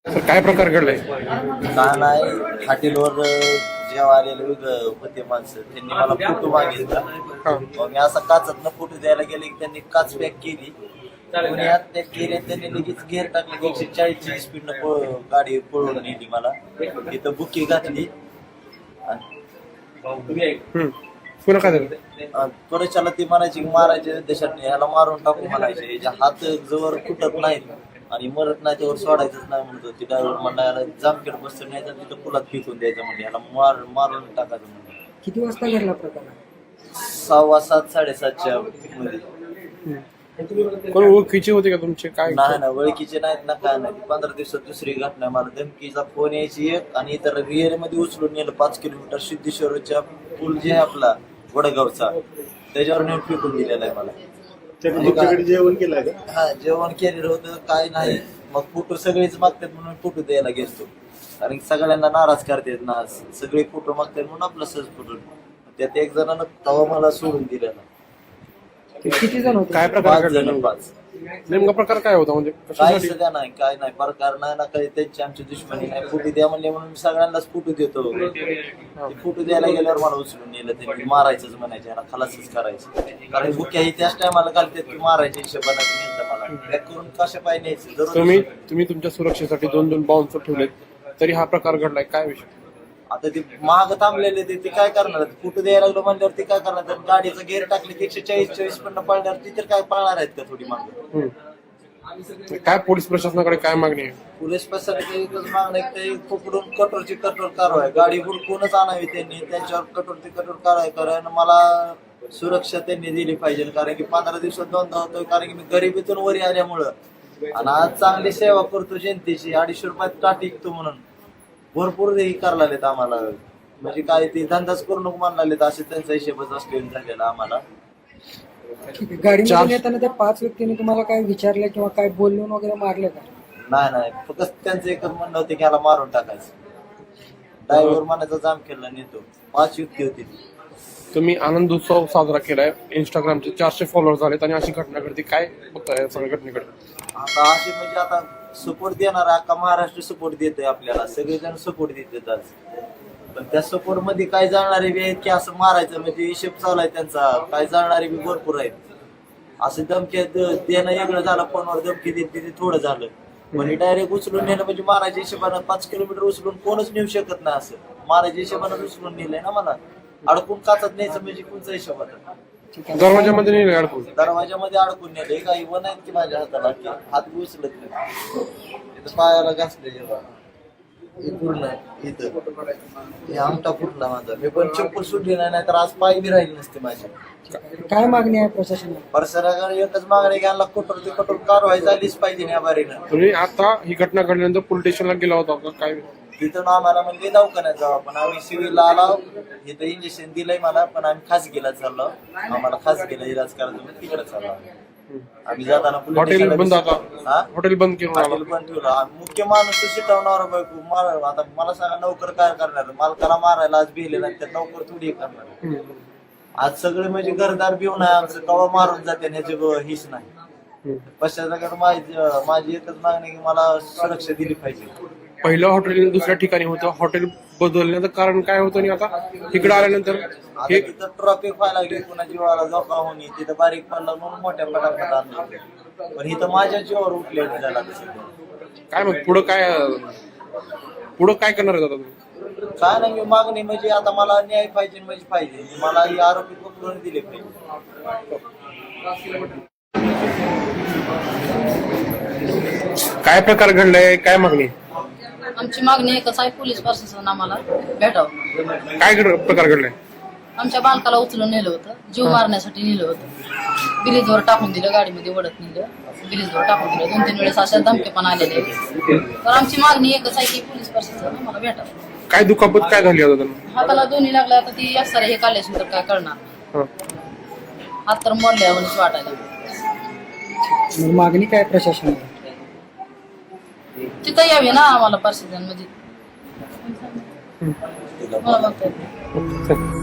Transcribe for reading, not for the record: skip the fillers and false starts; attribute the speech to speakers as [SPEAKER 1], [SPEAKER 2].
[SPEAKER 1] काय प्रकार घडलाय?
[SPEAKER 2] का नाही हॉटेलवर जेव्हा आलेले होते माणसं त्यांनी मला फोटो मागितला. मग मी असा काचातनं फोटो द्यायला गेले की त्यांनी काच पॅक केली. कोणी आत पॅक केली आणि त्यांनी लगेच गेअर टाकले की 140ची स्पीडनं गाडी पळवून नेली. मला तिथं बुकी घातली
[SPEAKER 1] पुन्हा काय झालं?
[SPEAKER 2] त्वरेच्याला ती म्हणायची मारायचे देशात ह्याला मारून टाकू म्हणायचे. ह्याच्या हात जवळ फुटत नाहीत आणि मरत नाही त्यावर सोडायचंच नाही म्हणतो. ती ड्रायव्हर म्हणायला जामखेड बसतं नाही तर तिथं पुलात फेकून द्यायचं म्हणजे ह्याला मारून टाकायचं म्हणजे.
[SPEAKER 3] किती वाजता घडला प्रकार?
[SPEAKER 2] 6:15 7:30च्या मध्ये.
[SPEAKER 1] कोण ओळखीचे होते का तुमचे? काय
[SPEAKER 2] नाही ना ओळखीचे नाहीत ना काय नाही. 15 दिवसात दुसरी घटना. मला धमकीचा फोन यायची एक आणि इतर रिअल मध्ये उचलून नेलं 5 किलोमीटर सिद्धेश्वरच्या पूल जे आहे आपला वडगावचा त्याच्यावर नेऊन फेकून दिलेला आहे मला.
[SPEAKER 4] जेवण केलंय का?
[SPEAKER 2] हा जेवण केलेलं होतं काय नाही. मग फोटो सगळेच मागतात म्हणून फोटो द्यायला घेतो. कारण सगळ्यांना नाराज करतात ना. सगळे फोटो मागतात म्हणून आपला सहज फोटो. त्यात एक जणांना तवा मला सोडून दिलेला.
[SPEAKER 3] किती जण होते?
[SPEAKER 1] काय प्रकार
[SPEAKER 2] 5 जण
[SPEAKER 1] घडला?
[SPEAKER 2] 5.
[SPEAKER 1] नेमका प्रकार काय होता? म्हणजे
[SPEAKER 2] काही
[SPEAKER 1] कशासाठी?
[SPEAKER 2] सध्या नाही काय नाही प्रकार नाही ना काही. त्यांची आमची दुश्मनी नाही. फोटो द्या म्हणले म्हणून मी सगळ्यांनाच फोटो देतो. फोटो द्यायला गेल्यावर मला उचलून नेलं. त्यांनी मारायचंच म्हणायचे याला खलासच करायचं. कारण बुक्याही त्याच टायमाला घालतात की मारायच्या हिशोबाने नेलं मला. बॅक करून कशा पाय न्यायचे दररोज.
[SPEAKER 1] तुम्ही तुमच्या सुरक्षेसाठी 2 बाउन्सर ठेवलेत तरी हा प्रकार घडलाय, काय विषय?
[SPEAKER 2] आता ते महाग थांबलेले ते काय करणार? फोटो द्यायला लागलो म्हणल्यावर ते काय करणार? तर गाडीचं गेअर टाकले की 140 पण पळणार. ती तर काय पळणार आहेत का थोडी मागं?
[SPEAKER 1] काय पोलीस प्रशासनाकडे काय मागणी आहे?
[SPEAKER 2] पोलीस प्रशासनाची एकच मागणं आहे की ते पकडून कठोरची कठोर कारवाई. गाडी हुडकूनच आणावी त्यांनी. त्यांच्यावर कठोरची कठोर कारवाई कारण मला सुरक्षा त्यांनी दिली पाहिजे. कारण की 15 दिवसात 2दा होतोय. कारण की मी गरिबीतून वरी आल्यामुळं आणि आज चांगली सेवा करतो जनतेची. 250 रुपयात का टिकतो म्हणून भरपूर हे करायला लागलेत आम्हाला. म्हणजे काय ते धंदाच करू नको म्हणालेत असे त्यांचा हिशेबच असलेला झालेला आम्हाला.
[SPEAKER 3] गाडीमध्ये येताना त्या 5 व्यक्तींनी तुम्हाला काय विचारलं किंवा काय बोलून वगैरे मारले का?
[SPEAKER 2] नाही फक्त त्यांचं एकच म्हणणं होतं की ह्याला मारून टाकायचं. ड्रायव्हर म्हणायचा जाम केला नेतो. 5 व्यक्ती होती.
[SPEAKER 1] तुम्ही आनंद उत्सव साजरा केलाय. इंस्टाग्रामचे 400 फॉलोअर झालेत आणि अशी घटना घडते, काय बघताय सगळ्या घटनेकडे?
[SPEAKER 2] आता असे म्हणजे आता सपोर्ट देणार अख्खा महाराष्ट्र सपोर्ट देतोय आपल्याला. सगळेजण सपोर्ट देतात आज. पण त्या सपोर्ट मध्ये काय जाणारे बी आहेत की असं मारायचं म्हणजे हिशेब चालू आहे त्यांचा. काय जाणारे बी भरपूर आहेत. असं धमकी देणं वेगळं झालं. फोनवर धमकी देते ते थोडं झालं. म्हणजे डायरेक्ट उचलून नेलं म्हणजे मारायच्या हिशोबानं 5 किलोमीटर उचलून कोणच नेऊ शकत नाही. असं मारायच्या हिशोबानं उचलून नेलंय ना मला. अडकून काचत न्यायचं म्हणजे कोणचा हिशोब आता?
[SPEAKER 1] दरवाजामध्ये नाही अडकून?
[SPEAKER 2] दरवाजामध्ये अडकून नेले. काही वन आहेत की माझ्या हाताला की हात बी उचलत नाही. इथं पायाला घासले जेव्हा पूर्ण इथं हे आमटा फुटला माझा. मी पण चप्पल सुटली नाही तर आज पाय बी राहिले नसते माझे.
[SPEAKER 3] काय मागणी आहे प्रशासनाला?
[SPEAKER 2] परसराकडे एकच मागणी घ्यायला कठोर ते कठोर कारवाई झालीच पाहिजे या बारीनं.
[SPEAKER 1] तुम्ही आता ही घटना घडल्यानंतर पोलीस स्टेशनला गेला होता का? काय?
[SPEAKER 2] तिथून आम्हाला म्हणजे दवाखान्यात जाऊ. पण आम्ही सिव्हिलला आलो. इथं इंजेक्शन दिलंय मला पण आम्ही खासगीला चाललो. आम्हाला खासगीला इलाज करायचं म्हणजे तिकडे चाललो आम्ही. जाताना
[SPEAKER 1] हॉटेल बंद आता? हॉटेल बंद केलं?
[SPEAKER 2] हॉटेल बंद ठेवलं. मुख्य माणूस शिटवणार बायको आता मला सांगा नोकर काय करणार? मालकाला मारायला आज भिले नाही तर नोकर थोडी करणार. आज सगळे म्हणजे घरदार भिवून आहे आमचं. कवा मारून जाते ह्याची हीच नाही. पश्चात माझी एकच मागणी की मला सुरक्षा दिली पाहिजे.
[SPEAKER 1] पहिलं हॉटेल दुसऱ्या ठिकाणी होतं. हॉटेल बदलण्याचं कारण काय होतं आणि आता इकडे आल्यानंतर
[SPEAKER 2] हे तिथं ट्रॉफिक व्हायला लागली. पुन्हा जीवाला धोका होणे. तिथं बारीक पडला म्हणून मोठ्या पटापट आणलं. पण इथं माझ्या जीवावर उठले झाला.
[SPEAKER 1] काय मग पुढं काय करणार आहे आता तुम्ही?
[SPEAKER 2] काय नाही मी मागणी म्हणजे आता मला न्याय पाहिजे म्हणजे पाहिजे. मला ही आरोपी पकडून दिले पाहिजे.
[SPEAKER 1] काय प्रकार घडलाय? काय मागणी?
[SPEAKER 5] आमची मागणी एकच आहे, पोलीस प्रशासन आम्हाला भेटावं.
[SPEAKER 1] काय प्रकार घडलाय?
[SPEAKER 5] आमच्या बालकाला उचलून नेलं होतं. जीव मारण्यासाठी नेलं होतं. ब्रिजवर टाकून दिलं. गाडीमध्ये ओढत नेलं. ब्रिजवर टाकून दिलं. 2-3 वेळेस अशा धमके पण आलेले. तर आमची मागणी एकच आहे की पोलीस प्रशासन आम्हाला भेटावं.
[SPEAKER 1] काय दुखापत काय झाली आता त्यांना?
[SPEAKER 5] हाताला दोन्ही लागला. आता ती असणार हे काढल्याशी तर काय करणार? हात तर मोडल्या म्हणून वाटायला.
[SPEAKER 3] मागणी काय प्रशासनाला?
[SPEAKER 5] तिथं यावे ना आम्हाला प्रशासन म्हणजे मला बघता येत नाही.